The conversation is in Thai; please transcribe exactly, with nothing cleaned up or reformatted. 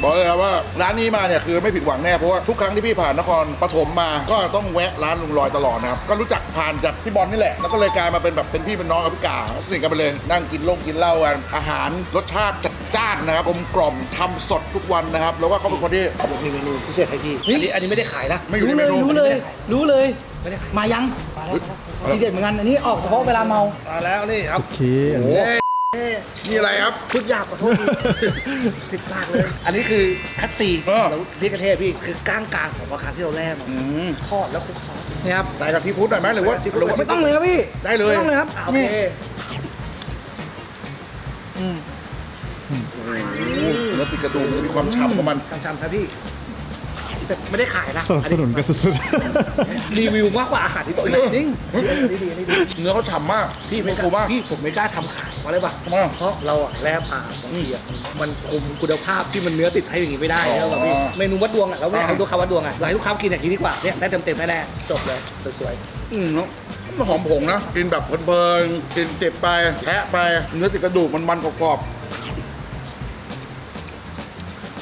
บอกเลยครับว่าร้านนี้มาเนี่ยคือไม่ผิดหวังแน่เพราะว่าทุกครั้งที่พี่ผ่านนครปฐมมาก็ต้องแวะร้านลุงลอยตลอดนะครับก็รู้จักผ่านจากพี่บอลนี่แหละแล้วก็เลยกลายมาเป็นแบบเป็นพี่เป็นน้องกับพี่กาสนิทกันไปเลยนั่งกินลงกินเหล้ากันอาหารรสชาติจัดจ้านนะครับกลมกล่อมทำสดทุกวันนะครับแล้วก็เขาเป็นคนที่มีเมนูพิเศษให้พี่อันนี้อันนี้ไม่ได้ขายนะไม่อยู่ในรู้เมเลยนูรู้เลยรู้เลยไม่ได้ขายมายังมาแล้วทีเด็ดเหมือนกันอันนี้ออกเฉพาะเวลาเมามาแล้วนี่ครับโอเคอันนี้นี่อะไรครับพูดยากขอโทษทีติดปากเลย อันนี้คือคัตซีเออแล้วเรียกกระเทศพี่คือก้างกลางของปลาคาร์ฟที่เราแล่มาอืมทอดแล้วคลุกซอสนี่ครับใส่กับซีฟู้ดหน่อยไหมหรือว่าซีฟู้ดหรือว่าไม่ต้องเลยครับพี่ได้เลยไม่ต้องเลยครับอ่ะโอนี่เคอืมโอ้โหเนื้อติดกระดูกมีความฉ่ำของมันช้ำๆครับพี่แต่ไม่ได้ขายนะสนับสนุนกันสุดรีวิวมากกว่าอาหารที่ตัวเองจริงนี่ดีนี่ดีเนื้อเขาฉ่ำมากพี่ไม่กฟูล้ามากพี่ผมไม่กล้าทำขายเพราะอะไรป่ะทำไมอ่ะเพราะเราอะแลปลาบางทีอะมันคุมคุณภาพที่มันเนื้อติดให้อย่างนี้ไม่ได้อ๋อแล้วแบบพี่เมนูวัดดวงอะเราไม่อยากอ่าให้ลูกค้าวัดดวงอะเราให้ลูกค้ากินอย่างนี้ดีกว่าเนี่ยได้เต็มๆแน่ๆจบเลยสวยอืมแล้วมันหอมผงนะ กินแบบเพลินๆกินเจ็บไปแทะไป เนื้อติดกระดูกมันมันกรอบๆ